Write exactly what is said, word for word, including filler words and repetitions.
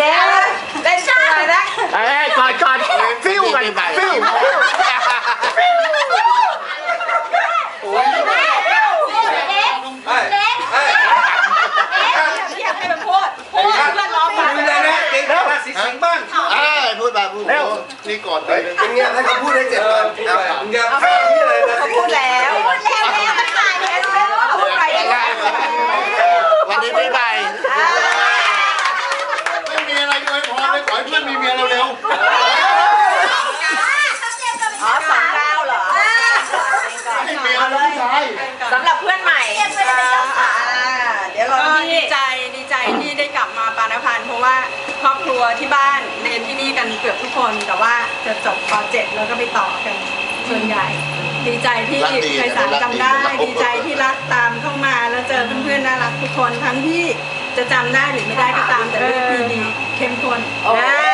เล่นเล่นตัวนะเอ้ยก่อนก่อนฟิวกันฟิวโอ้ยเล็กเล็กเล็กอยากให้มันพูดพูดเพื่อนร้องมาเลยนะเก่งราศีสิงห์บ้างเอ้ยพูดมาพูดนี่ก่อนเลยเป็นไงให้เขาพูดให้เสร็จก่อนมึงอย่าแพ้ที่เลยนะเขาพูดแล้วพูดแล้วแล้วมันถ่ายแล้วพูดไปแล้ววันนี้ปีใหม่ไม่มีอะไรอวยพรเลยขอให้เพื่อนมีเมียเร็วๆอ๋อสองเก้าเหรอให้เมียเลยสำหรับเพื่อนใหม่เดี๋ยวเราดีใจดีใจที่ได้กลับมาปานพันธ์เพราะว่าครอบครัวที่บ้านเรียนที่นี่กันเกือบทุกคนแต่ว่าจะจบป .เจ็ด แล้วก็ไปต่อกันส่วนใหญ่ ดีใจที่ไพศาลจำได้ดีใจที่รักตามเข้ามาแล้วเจอเพื่อนๆน่ารักทุกคนทั้งที่จะจำได้หรือไม่ได้ก็ตามแต่เรื่องดีๆเข้มข้น